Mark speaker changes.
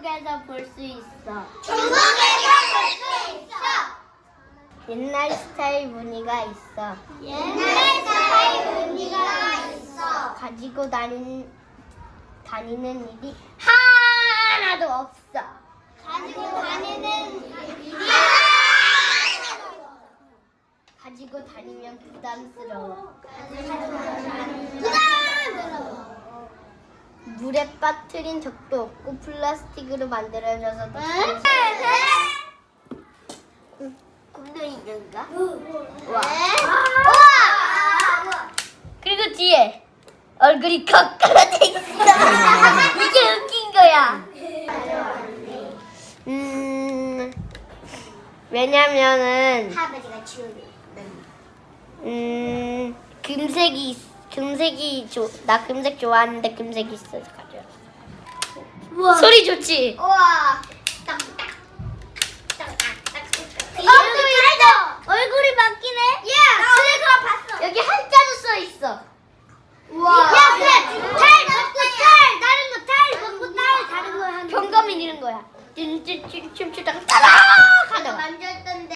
Speaker 1: 중국에서 볼 수 있어.
Speaker 2: 중국에서 볼 수 있어.
Speaker 1: 옛날 스타일 무늬가 있어.
Speaker 2: 옛날 스타일 무늬가 있어.
Speaker 1: 가지고 다니는 일이 하나도 없어.
Speaker 2: 가지고 다니는 일이
Speaker 1: 가지고 다니면 부담스러워.
Speaker 2: 부담스러워.
Speaker 1: 물에 빠뜨린 적도 없고 플라스틱으로 만들어져서 곰돌이인가? 와.
Speaker 2: 우와.
Speaker 1: 그리고 뒤에 얼굴이 거꾸로 돼 있어. 이게 웃긴 거야. 왜냐면은
Speaker 2: 할아버지가 치우는.
Speaker 1: 나 금색 좋아하는데 금색이 있어서 가져.
Speaker 2: 우와.
Speaker 1: 소리 좋지?
Speaker 2: 우와.
Speaker 1: 얼굴이 바뀌네.
Speaker 2: 야, 그래 그거 봤어.
Speaker 1: 여기 한자도 써 있어.
Speaker 2: 우와. 야, 그래. 탈 먹고 탈 다른 거 탈 먹고 탈 다른 거 하는.
Speaker 1: 경감이 이런 거야. 춤추다가 따라 가다가.
Speaker 2: 만졌던데.